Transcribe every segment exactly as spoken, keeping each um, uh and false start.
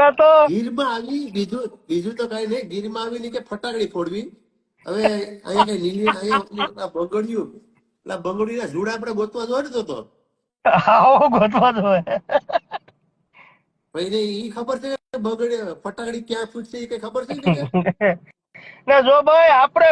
ગીરમાં તો ગીરમાં આવી બીજું બીજું તો કઈ નહીં, ગીરમાં આવીને કે ફટાકડી ફોડવી. હવે અહીંયા કઈ લીલી અહીંયા બગડ્યું એટલે બગડ્યું ના ઝૂડ આપણે ગોતવા દોડતો હતો. આવો ગોતવા જોઈએ. ભાઈને ઈ ખબર છે કે બગડે ફટાકડી ક્યાં ફૂટશે એ કઈ ખબર છે કે ને જો ભાઈ આપણે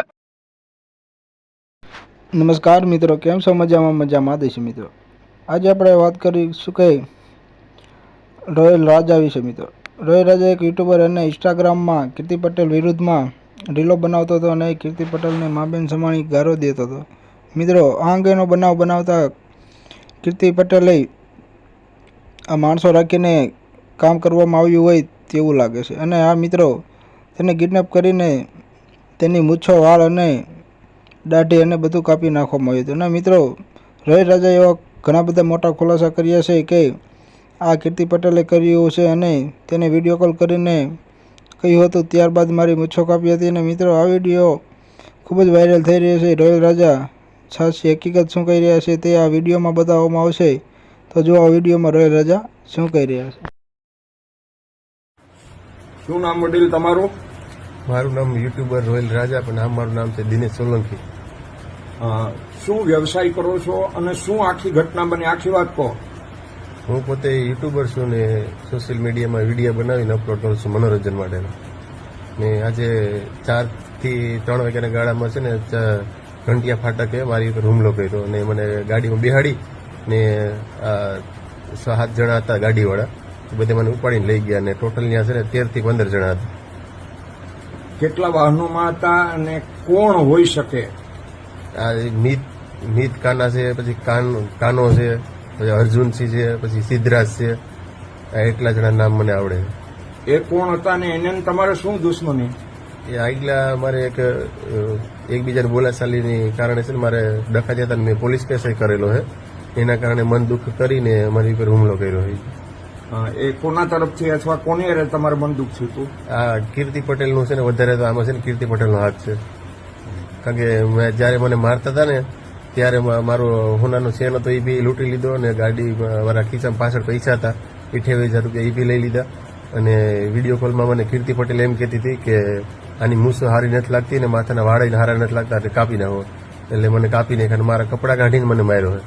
નમસ્કાર મિત્રો, કેમ છો? મજામાં મજામાં દેશી મિત્રો. આજે આપણે વાત કરીશું કે રોયલ રાજા વિશે મિત્રો. રોયલ રાજા એક યુટ્યુબર અને ઇન્સ્ટાગ્રામમાં કીર્તિ પટેલ વિરુદ્ધમાં રીલો બનાવતો હતો અને કીર્તિ પટેલને માબેન સમાણી ગારો દેતો હતો મિત્રો. આ અંગેનો બનાવ બનાવતા કીર્તિ પટેલે આ માણસો રાખીને કામ કરવામાં આવ્યું હોય તેવું લાગે છે અને આ મિત્રો તેને કિડનેપ કરીને તેની મૂછો, વાળ અને દાઢી અને બધું કાપી નાખવામાં આવ્યું હતું. અને મિત્રો રોયલ રાજા એવા ઘણા બધા મોટા ખુલાસા કર્યા છે કે આ કીર્તિ પટેલે કર્યું છે અને તેને વિડીયો કોલ કરીને કહ્યું હતું, ત્યારબાદ મારી મૂછો કાપી હતી. અને મિત્રો આ વિડીયો ખૂબ જ વાયરલ થઈ રહ્યો છે. રોયલ રાજા સાચી હકીકત શું કહી રહ્યા છે તે આ વિડીયોમાં બતાવવામાં આવશે. તો જો આ વિડીયોમાં રોયલ રાજા શું કહી રહ્યા છે. શું નામ વડીલ તમારું? મારું નામ યુટ્યુબર રોયલ રાજા, પણ આમ મારું નામ છે દિનેશ સોલંકી. અ, શું વ્યવસાય કરો છો અને શું આખી ઘટના બની, આખી વાત કહો. હું પોતે યુટ્યુબર છું ને સોશિયલ મીડિયામાં વિડીયો બનાવીને અપલોડ કરું છું મનોરંજન માટેના. ને આજે ચારથી ત્રણ વાગ્યાના ગાળામાં છે ને ઘંટિયા ફાટકે મારી ઉપર હુમલો કર્યો અને મને ગાડીમાં બેહાડી ને સાત જણા હતા ગાડીવાળા, બધે મને ઉપાડીને લઈ ગયા. અને ટોટલ ત્યાં છે ને તેરથી પંદર જણા હતા. કેટલા વાહનોમાં હતા અને કોણ હોઈ શકે? આ મીત મીત કાના છે, પછી કાન કાનો છે, પછી અર્જુનસિંહ છે, પછી સિદ્ધરાજ છે. આ એટલા જણા નામ મને આવડે. એ કોણ હતા ને એને તમારે શું દુશ્મની? એ આગલા મારે એક એકબીજાની બોલાચાલીની કારણે છે ને મારે ડખા જતા મેં પોલીસ કેસ કરેલો છે. એના કારણે મન દુઃખ કરીને મારી ઉપર હુમલો કર્યો છે. એ કોના તરફથી અથવા કોની અરે તમારે બંદૂક થયું હતું? આ કીર્તિ પટેલનું છે ને વધારે તો આમાં છે ને કીર્તિ પટેલનો હાથ છે. કારણ કે મેં જયારે મને મારતા હતા ને ત્યારે મારો હોનાનો ચેન હતો એ બી લૂંટી લીધો અને ગાડી મારા ખિસ્સામાં પાછળ પૈસા હતા અઠ્યાવીસ હજાર રૂપિયા એ બી લઈ લીધા. અને વિડીયો કોલમાં મને કીર્તિ પટેલ એમ કહેતી હતી કે આની મૂસો હારી નથી લાગતી ને માથાના વાળા હારા નથી લાગતા એટલે કાપી નાખો. એટલે મને કાપી નાખ્યા અને મારા કપડાં કાઢીને મને માર્યો છે.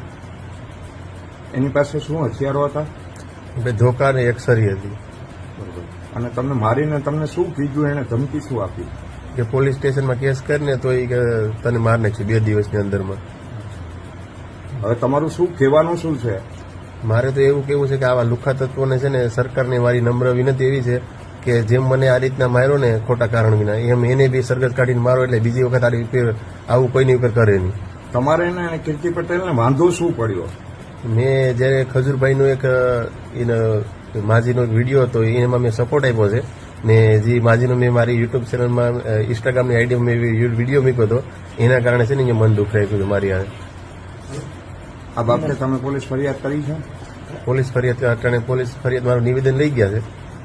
એની પાસે શું હથિયારો હતા? ધોકા ને એક સરી હતી. અને તમને મારીને તમને શું કીધું, એને ધમકી શું આપી? કે પોલીસ સ્ટેશનમાં કેસ કરીને તો એ તને માર નાખશે બે દિવસની અંદરમાં. હવે તમારું શું કહેવાનું શું છે? મારે તો એવું કેવું છે કે આવા લુખા તત્વોને છે ને સરકારની મારી નમ્ર વિનંતી એવી છે કે જેમ મને આ રીતના માર્યો ને ખોટા કારણ વિના, એમ એને બી સરગત કાઢીને મારો એટલે બીજી વખત આ રીતે આવું કોઈની ઉપર કરે નહીં. તમારે એને કીર્તિ પટેલને વાંધો શું પડ્યો? મેં જયારે ખજૂરભાઈનો એક માજીનો એક વિડીયો હતો એમાં મેં સપોર્ટ આપ્યો છે ને જે માજીનો મેં મારી યુટ્યુબ ચેનલમાં ઇન્સ્ટાગ્રામની આઈડીમાં મેં વિડીયો મૂક્યો હતો એના કારણે છે ને મન દુઃખ રાખ્યું હતું મારી. આ બાબતે તમે પોલીસ ફરિયાદ કરી છે? પોલીસ ફરિયાદ અટાણે પોલીસ ફરિયાદ મારું નિવેદન લઈ ગયા છે.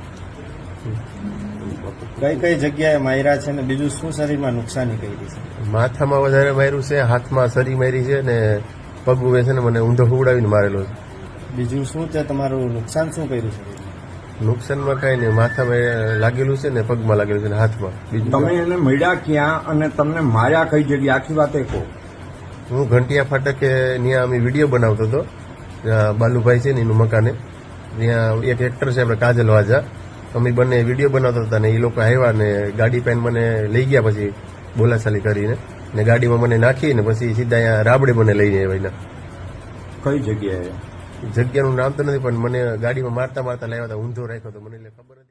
કઈ કઈ જગ્યાએ માર્યા છે ને બીજું શું શરીરમાં નુકસાની કરી છે? માથામાં વધારે માર્યું છે, હાથમાં સરી મારી છે ને પગ છે ને મને ઊંધો હુવડાવીને મારેલો છે. બીજું શું છે તમારું નુકસાન શું કર્યું છે? નુકસાનમાં કઈ નહીં, માથામાં લાગેલું છે ને પગમાં લાગેલું છે ને હાથમાં. બીજું તમે એને મળ્યા ક્યાં અને તમને માર્યા કઈ જગ્યાએ, આખી વાત એ કહો. હું ઘંટિયા ફાટકે ત્યાં અમે વિડીયો બનાવતો હતો, બાલુભાઈ છે ને એનું મકાને. ત્યાં એક એક્ટર છે આપણે કાજલ વાજા, અમે બંને વિડીયો બનાવતા હતા ને એ લોકો આવ્યા ને ગાડી પેન મને લઈ ગયા પછી બોલાચાલી કરીને ને ગાડીમાં મને નાખી ને પછી સીધા અહીંયા રાબડે મને લઈને આવ્યા. કઈ જગ્યાએ? જગ્યાનું નામ તો નથી પણ મને ગાડીમાં મારતા મારતા લાવ્યા હતા, ઊંધો રાખ્યો હતો મને એટલે ખબર